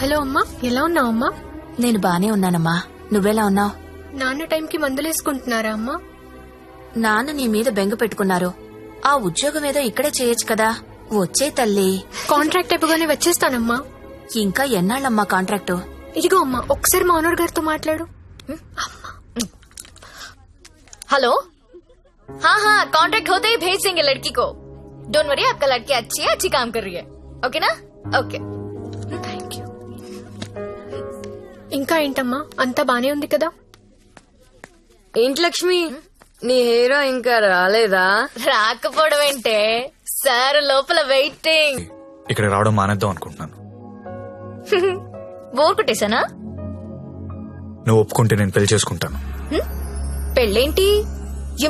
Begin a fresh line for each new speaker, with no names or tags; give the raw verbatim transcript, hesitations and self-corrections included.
Hello అమ్మా, ఎలా ఉన్నావు అమ్మా?
నేను బానే ఉన్నానమ్మా, నువ్వెలా ఉన్నావు?
నాన్న టైంకి మందులేసుకుంటున్నారా అమ్మా?
నాన్న నీ మీద బెంగ పెట్టుకున్నారు. ఆ ఉద్యోగం ఏదో ఇక్కడే చేయొచ్చు కదా. వచ్చే తల్లి.
కాంట్రాక్ట్ అయిపోగానే వచ్చేస్తానమ్మా.
ఇంకా ఎన్నాళ్ళమ్మా కాంట్రాక్టు?
ఇదిగో అమ్మా, ఒకసారి మా ఓనర్ గారితో మాట్లాడు.
हेलो, हाँ हाँ कॉन्ट्रैक्ट होते ही भेज देंगे लड़की को. डोंट वरी, आपका लड़की अच्छी है, अच्छी काम कर रही है. ओके ना? ओके.
Thank you. ఇంకా ఏంటమ్మా, అంతా బానే ఉంది కదా?
ఏంటి లక్ష్మి, నీ హీరో ఇంకా రాలేదా?
రాకపోవడం ఏంటే సార్, లోపల వెయిటింగ్.
ఇక్కడ రావడం మానేద్దాం అనుకుంటున్నాను.
బోర్ కొట్టేశానా?
నువ్వు ఒప్పుకుంటే నేను పెళ్లి చేసుకుంటాను.
పెళ్ళేంటి?